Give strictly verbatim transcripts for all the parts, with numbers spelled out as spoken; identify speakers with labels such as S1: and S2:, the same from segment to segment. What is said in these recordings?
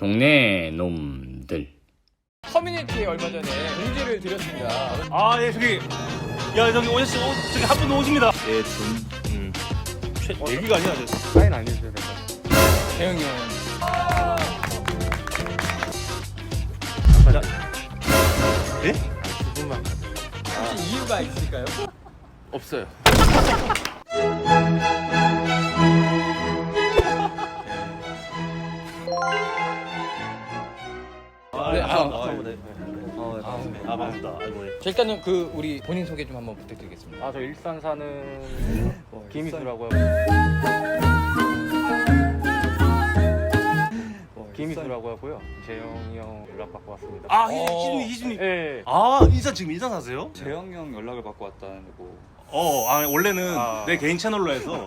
S1: 동네 놈들.
S2: 커뮤니티에 얼마 전에 공지를 드렸습니다.
S3: 아, 예, 저기. 야, 저기 오셨, 오, 저기 한 분 오십니다.
S1: 예, 준.
S3: 음. 최, 얘기가 아니야, 저.
S4: 사인 안 해주셔야 될것 같아요.
S2: 대형이 형.
S3: 자. 예?
S4: 두 분만 가세요.
S2: 혹시 이유가 있을까요?
S4: 없어요.
S3: 아,
S2: 네,
S3: 아,
S2: 아,
S3: 아,
S4: 아,
S3: 네.
S4: 어, 네, 반갑습니다.
S3: 아, 반갑습니다. 아이고, 예.
S2: 자, 일단은 그 우리 본인 소개 좀 한번 부탁드리겠습니다.
S4: 아, 저 일산 사는
S2: 어,
S4: 김희수라고 하고 김희수라고 하고요. 재영이 형 연락 받고 왔습니다.
S3: 아,
S2: 어.
S3: 희준이, 희준이.
S4: 예.
S3: 아, 인사 지금 인사 사세요?
S5: 재영 형 연락을 받고 왔다는 거.
S3: 어, 아, 원래는
S4: 아.
S3: 내 개인 채널로 해서.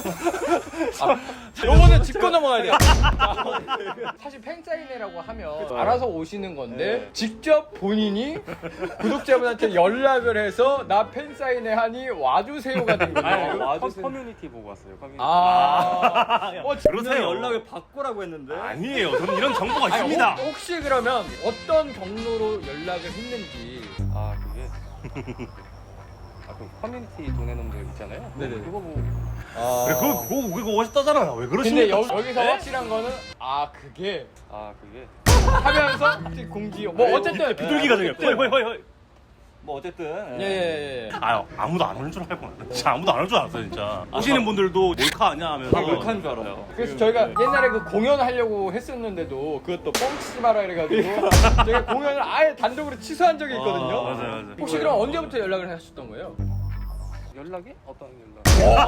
S2: 요거는 짚고 넘어가야 돼요. 사실 팬사인회라고 하면
S4: 그쵸.
S2: 알아서 오시는 건데
S4: 네.
S2: 직접 본인이 구독자분한테 연락을 해서 나 팬사인회 하니 와주세요가 된 거예요.
S4: 아니,
S5: 와주세요.
S4: 커- 커뮤니티 보고 왔어요. 커뮤니티.
S2: 아, 어,
S3: 그러세요.
S5: 연락을 받고라고 했는데.
S3: 아니에요. 저는 이런 정보가
S2: 아니,
S3: 있습니다.
S2: 혹- 혹시 그러면 어떤 경로로 연락을 했는지.
S4: 아, 그게 아, 그 커뮤니티 도내놈들 있잖아요.
S2: 네네.
S4: 그거 보고
S2: 아.
S3: 그래, 그거, 그거, 그거 오셨다잖아요. 왜
S2: 근데
S3: 그러십니까?
S2: 여, 여기서
S3: 네?
S2: 확실한 거는 아 그게
S4: 아, 그게
S2: 하면서 공지 뭐 어쨌든
S3: 비둘기가 저기. 허이, 허이, 허이, 허이.
S5: 뭐 어쨌든.
S2: 예예예.
S3: 아, 아무도 안 오는 줄 알고. 진짜 아무도 안 올 줄 알았어요, 진짜. 오시는 분들도 몰카 아니야 하면서.
S5: 다 몰카인 줄 알아요.
S2: 그래서 저희가 옛날에 그 공연하려고 했었는데도 그것도 뻥치지 마라 이래가지고 저희가 공연을 아예 단독으로 취소한 적이 있거든요.
S3: 아, 맞아요, 맞아요.
S2: 혹시 그럼 언제부터 연락을 하셨던 거예요?
S4: 연락이 어떤 연락?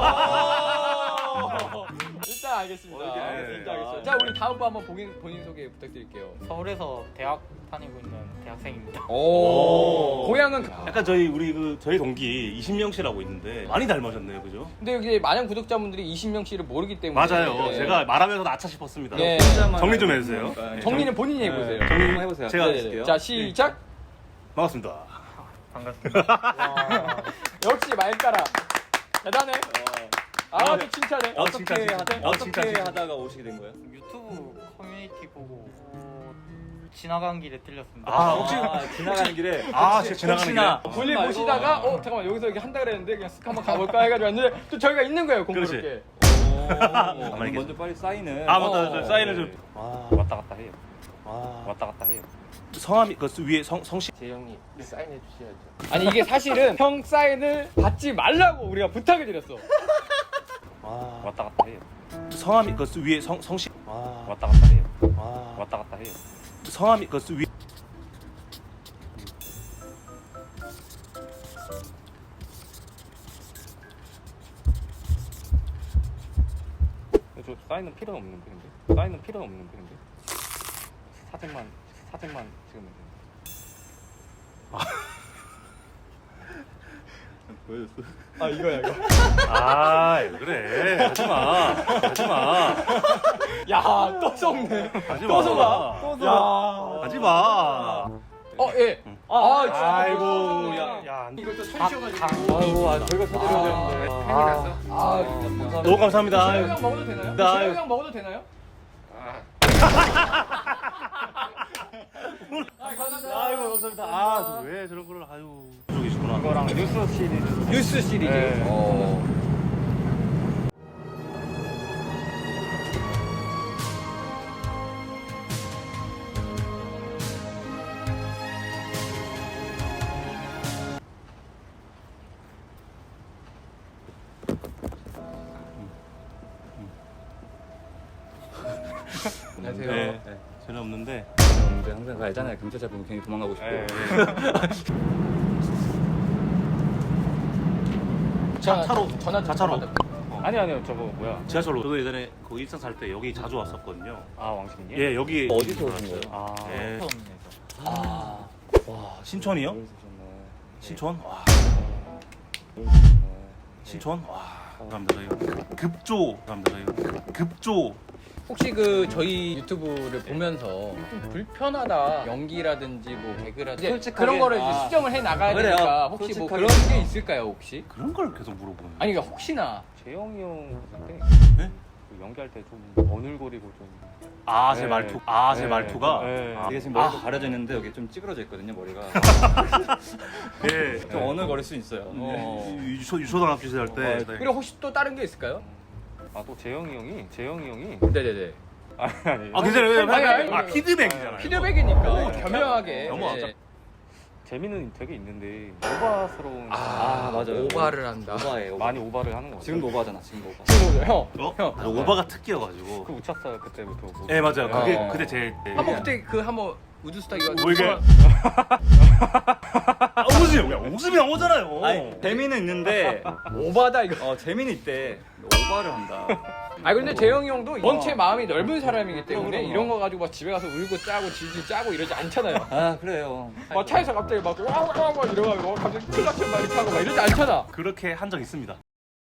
S2: 일단 알겠습니다.
S5: 어, 이게
S2: 일단 알겠습니다. 자 우리 다음 번 한번 본인, 본인 소개 부탁드릴게요.
S6: 서울에서 대학 다니고 있는 대학생입니다.
S2: 오. 고향은
S3: 약간 저희 우리 그 저희 동기 이신명 씨라고 있는데 많이 닮으셨네요, 그죠?
S2: 근데 여기 많은 구독자분들이 이신명 씨를 모르기 때문에
S3: 맞아요.
S2: 네.
S3: 제가 말하면서 나차 싶었습니다.
S2: 네.
S3: 정리 좀 해주세요. 네.
S2: 정리는 본인이 해보세요.
S5: 정리 한번 해보세요.
S3: 제가
S2: 네네.
S3: 해줄게요.
S2: 자 시작.
S3: 반갑습니다.
S6: 반갑습니다.
S2: 역시 말가라 대단해. 아, 또 칭찬해.
S3: 어,
S5: 어떻게
S3: 칭찬, 칭찬.
S5: 하다,
S3: 어,
S5: 어떻게
S3: 칭찬, 칭찬.
S5: 하다가 오시게 된 거예요?
S6: 유튜브 커뮤니티 보고 지나간 길에 들렸습니다.
S3: 아, 혹시-
S5: 지나가는 길에.
S3: 아, 제가 지나가는
S5: 혹시나.
S3: 길에?
S2: 볼일
S5: 말고.
S2: 보시다가 어 잠깐만 여기서 여기 한다 그랬는데 그냥 쓱 한번 가볼까 해가지고 왔는데 또 저희가 있는 거예요 공교롭게.
S5: 오,
S3: 가만히
S5: 먼저 빨리 사인을.
S3: 아, 맞다. 저
S2: 어,
S3: 사인을
S5: 네.
S3: 좀. 와,
S4: 왔다 갔다 해요.
S3: 와.
S4: 왔다 갔다 해요.
S3: 성함이 그 위에 성 성씨.
S4: 재영이 사인해 주셔야죠.
S2: 아니 이게 사실은 형 사인을 받지 말라고 우리가 부탁을 드렸어.
S3: 와.
S4: 왔다 갔다 해요.
S3: 성함이 그 위에 성 성씨. 와.
S4: 왔다 갔다 해요.
S3: 와.
S4: 왔다 갔다 해요.
S3: 성함이 그 위에.
S4: 저 사인은 필요 없는데 근데 사인은 필요 없는데 근데 사진만 사진만 찍으면 돼요.
S5: 보여줬어.
S2: 아 이거야 이거.
S3: 아, 왜 그래. 하지 마. 하지 마.
S2: 야또 속네.
S3: 하지 마.
S2: 또 속아. 또 속아.
S3: 하지 마.
S2: 어 예. 아, 진짜.
S3: 아이고, 야, 야.
S2: 이것도 천시여가지고.
S4: 아이고 아, 저희가 사드려야 되는데 팬이 났어.
S2: 아 감사합니다.
S3: 너무 감사합니다.
S2: 시영 형 먹어도 되나요?
S3: 나-
S2: 시영 형 먹어도 되나요? 아 감사합니다.
S3: 아이고, 감사합니다. 아, 왜 저런 걸 아유. 그러고 계시구나.
S4: 이거랑 뉴스 시리즈.
S2: 뉴스 시리즈.
S4: 네.
S2: 어. 안녕하세요.
S3: 네. 전혀 없는데.
S5: 근데 항상 알잖아요. 경찰차 보면 괜히 도망가고 싶고.
S4: 네.
S2: 자,
S3: 차로.
S2: 전화 좀
S3: 자차로.
S2: 받아-
S4: 아니 아니요 저거 뭐야?
S3: 지하철로. 저도 예전에 그 일산 살 때 여기 자주 왔었거든요.
S4: 아 왕십리?
S3: 예, 여기
S5: 어디서 오신 거예요?
S4: 아
S3: 예.
S6: 처음에서
S2: 아.
S3: 와, 신촌이요?
S5: 여기서 오셨네.
S3: 신촌? 와,
S5: 여기서 오셨네.
S3: 신촌? 와, 감사합니다. 저희 급조. 감사합니다. 저희 급조.
S2: 혹시 그 저희 유튜브를 보면서 좀 불편하다 연기라든지 뭐 개그라든지
S5: 솔직하게-
S2: 그런 거를 이제
S5: 아.
S2: 수정을 해 나가야
S5: 그래요.
S2: 되니까 혹시 뭐
S5: 솔직하게.
S2: 그런 게 있을까요 혹시?
S3: 그런 걸 계속 물어보는.
S2: 아니 그러니까 혹시나
S4: 재영이 형 때
S3: 네?
S4: 그 그 연기할 때 좀 어눌거리고 좀.
S3: 아, 제
S4: 네.
S3: 말투. 아, 제
S4: 네.
S3: 말투가.
S4: 네.
S3: 아,
S5: 이게 지금 머리가 가려져 있는데 여기 좀 찌그러져 있거든요 머리가.
S3: 네.
S5: 좀 어눌거릴 수 있어요. 어.
S3: 유초 유초등학교 시절 때. 네.
S2: 그리고 혹시 또 다른 게 있을까요?
S4: 아 또 재영이 형이 재영이 형이
S2: 네네네.
S4: 아니 아니
S3: 아, 괜찮아요.
S2: 아니, 아니,
S3: 아,
S2: 아니.
S3: 피드백이잖아요.
S2: 피드백이니까 겸허하게.
S3: 너무
S2: 네.
S4: 재미는 되게 있는데 오바스러운.
S2: 아,
S5: 맞아요.
S2: 오바를 한다.
S5: 오바예요. 오바.
S4: 많이 오바를 하는 거 같아요.
S5: 지금도 오바잖아. 지금도 오바.
S2: 지금 형,
S3: 어?
S2: 형.
S3: 아, 오바가 특기여가지고.
S4: 그 우차사 그때부터. 뭐-
S3: 예, 맞아요. 그게
S2: 어.
S3: 그때 제.
S2: 한번 그때 그 한번 우주스타 이거
S3: 뭐 이게? 아, 웃음이 야, 웃음이 나오잖아요.
S5: 아니 재미는 있는데
S2: 오바다 이거.
S5: 어 재미는 있대. 오바를 한다.
S2: 아 근데 재영이 형도 원체 마음이 넓은 사람이기 때문에
S5: 그럼, 그럼.
S2: 이런 거 가지고 막 집에 가서 울고 짜고 질질 짜고 이러지 않잖아요.
S5: 아 그래요.
S2: 막 차에서 갑자기 막 와와와 막 이러고 갑자기 클락션 막 이렇게 하고 막 이러지 않잖아.
S3: 그렇게 한 적 있습니다.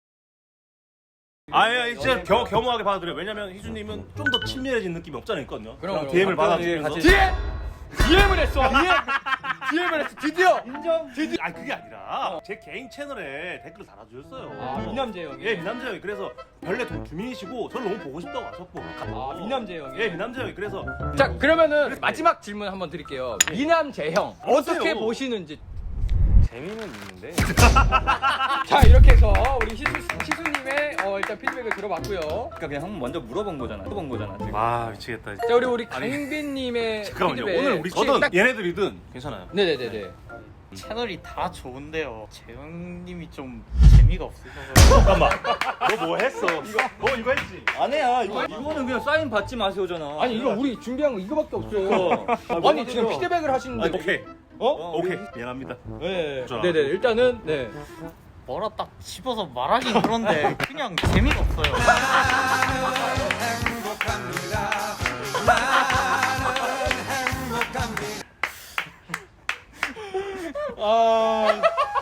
S3: 아예 진짜 겸, 겸허하게 받아들여요. 왜냐면 희준님은 좀 더 친밀해진 느낌이 없잖아요, 있거든요.
S2: 그럼,
S3: 그냥
S2: 그럼.
S3: 디엠을
S5: 간단하게
S3: 받아주면서.
S5: 같이-
S2: 디엠! 디엠을 했어. 디엠! 디엠을 했어. 드디어.
S3: 인정. 드디어. 아니 그게 아니라 제 개인 채널에 댓글을 달아주셨어요.
S2: 아 미남재 형이.
S3: 예, 미남재 형이 그래서 원래 동 주민이시고 저를 너무 보고 싶다고 하셨고.
S2: 아 미남재 형이.
S3: 예, 미남재 형이 그래서
S2: 자 그러면은 마지막 질문 한번 드릴게요. 미남재 형 어떻게
S3: 그러세요.
S2: 보시는지.
S4: 재미는 있는데
S2: 자 이렇게 해서 우리 희수 희수님의 어, 일단 피드백을 들어봤고요.
S5: 그러니까 그냥 한번 먼저 물어본 거잖아. 물어본 거잖아 지금.
S3: 아 미치겠다.
S2: 자 우리 우리 강빈님의
S3: 잠깐만요.
S2: 피드백.
S3: 오늘 우리
S2: 혹시
S3: 저든
S2: 딱-
S3: 얘네들이든 괜찮아요.
S2: 네네네네.
S6: 채널이 다 좋은데요. 재영님이 좀 재미가 없으셔서.
S3: 잠깐만. 너 뭐 했어? 이거 너 이거 했지?
S5: 아니야 이거 이거는 그냥 사인 받지 마세요잖아.
S2: 아니 이거 우리 준비한 거 이거밖에 없어. 아니 지금 피드백을 하시는데.
S3: 아, 오케이.
S2: 어?
S5: 어,
S3: 오케이. 미안합니다.
S2: 네.
S3: 좋아.
S2: 네네 일단은 네.
S6: 뭐라 딱 집어서 말하긴 그런데 그냥 재미가 없어요.
S2: 아.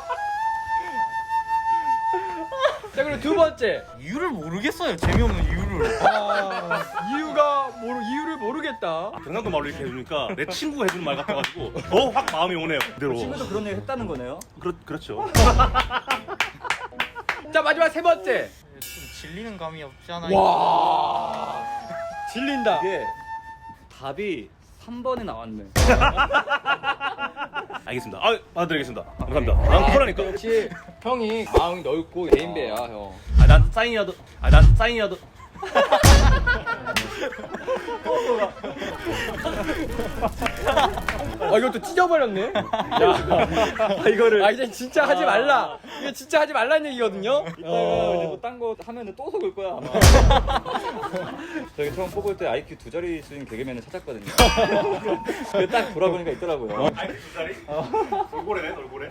S2: 자 그리고 두 번째.
S6: 이유를 모르겠어요. 재미없는 이유를.
S2: 아, 이유가 모르 이유를 모르겠다.
S3: 경상도 말로 이렇게 해주니까 내 친구가 해주는 말 같아가지고 더 확 마음이 오네요. 그대로.
S5: 친구도 그런 얘기 했다는 거네요.
S3: 그렇 그렇죠.
S2: 자 마지막 세 번째.
S6: 좀 질리는 감이 없지 않아요.
S2: 와. 질린다.
S5: 이게 답이 삼 번에 나왔네.
S3: 알겠습니다. 아, 받아드리겠습니다. 감사합니다. 난 쿨하니까.
S2: 역시 형이 마음이 넓고 개인배야 형.
S3: 아, 난 사인이라도. 아, 난 사인이라도.
S2: 아 이것도 찢어버렸네. 야, 아, 이거를. 아 이제 진짜 하지 말라. 이거 진짜 하지 말라는 얘기거든요.
S5: 이따가
S2: 어.
S5: 이제 뭐딴 거 하면은 또 속을 거야 아마. 저기 처음 뽑을 때 아이큐 두 자리 수인 개그맨을 찾았거든요. 근데 딱 돌아보니까 있더라고요.
S3: 아이, 두 자리? 돌고래네, 돌고래.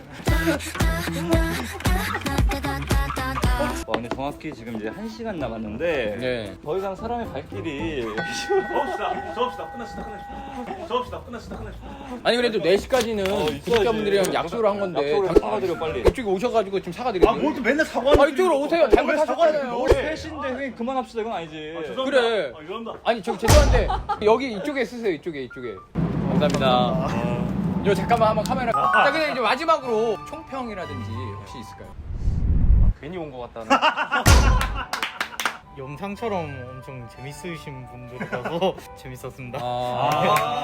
S5: 와 근데 정확히 지금 이제 한 시간 남았는데
S2: 네.
S5: 더 이상 사람의 발길이
S3: 접읍시다. 접읍시다. 끝났습니다. 끝났습니다. 접읍시다. 끝났습니다. 끝났습니다.
S2: 아니 그래도 네 시까지는 구독자분들이랑 약속을 한 건데
S5: 약속을
S2: 당-
S5: 사과드려 빨리.
S2: 이쪽에 오셔가지고 지금 사과드리고.
S3: 아, 뭘 또 맨날 사과하는
S2: 아, 이쪽으로 오세요. 잘못하셨잖아요.
S5: 뭘 셋인데 형님 그만합시다 이건 아니지.
S2: 그래.
S3: 아, 이런다.
S2: 아니 저 죄송한데 여기 이쪽에 쓰세요. 이쪽에 이쪽에. 감사합니다. 이거 잠깐만 한번 카메라. 자 근데 이제 마지막으로 총평이라든지 혹시 있을까요?
S4: 괜히 온 것 같다는.
S6: 영상처럼 엄청 재밌으신 분들이라서 재밌었습니다.
S2: 아.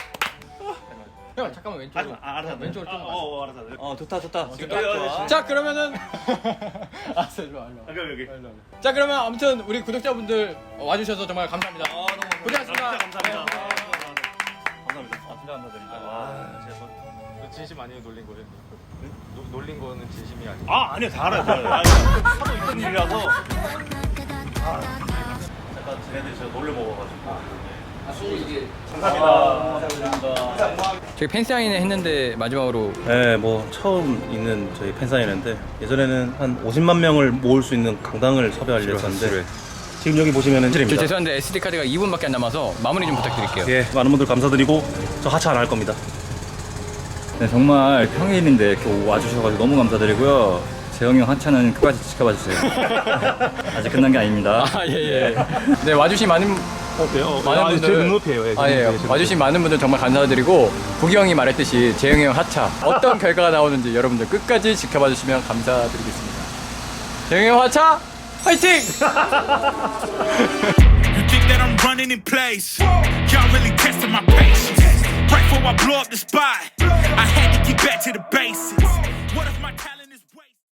S2: 형 잠깐만 왼쪽으로.
S3: 아, 알았어.
S2: 왼쪽으로 좀.
S3: 어, 어, 알았어. 알았어.
S5: 어 좋다 좋다. 지금
S3: 여기,
S5: 딱
S3: 여기,
S5: 좋아.
S2: 자 그러면은. 알았어 일로 와 일로 와.
S3: 여기, 여기.
S2: 자 그러면 아무튼 우리 구독자분들 와주셔서 정말 감사합니다.
S5: 아 너무
S2: 고생하셨습니다.
S3: 진짜 감사합니다.
S2: 네.
S3: 감사합니다.
S5: 아 진짜 감사드립니다.
S3: 아, 제가 뭐-
S4: 진심 아니에요 놀린 거예요? 노, 놀린 거는 진심이 아니에요.
S3: 아, 아니요. 다 알아요. 다 알아요. 아니, 하도 있던 일이라서. 아, 잠깐 쟤네들이 제가 놀려 먹어가지고. 감사합니다.
S2: 저희 팬사인회 했는데 마지막으로
S3: 네, 뭐 처음 있는 저희 팬사인회인데 예전에는 한 오십만 명을 모을 수 있는 강당을 섭외하려 했었는데 지금 여기 보시면은
S2: 저
S3: 실입니다.
S2: 죄송한데 에스디 카드가 이 분밖에 안 남아서 마무리 좀 부탁드릴게요.
S3: 예, 많은 분들 감사드리고 저 하차 안 할 겁니다.
S5: 네, 정말 평일인데 이렇게 와주셔가지고 너무 감사드리고요. 재영이 형 하차는 끝까지 지켜봐 주세요. 아직 끝난 게 아닙니다.
S2: 아 예예. 네 와주신 많은
S3: 어때요?
S2: 많은 분들
S3: 제 눈높이에요. 예, 제
S2: 아 예.
S3: 눈높이에요, 제
S2: 와주신 많은 분들 정말 감사드리고 부기 형이 말했듯이 재영이 형 하차 어떤 결과가 나오는지 여러분들 끝까지 지켜봐 주시면 감사드리겠습니다. 재영이 형 하차 화이팅!
S7: You think that I'm running in place? Y'all really testing my patience. Right before I blow up the spot, I had to get back to the basics. What if my talent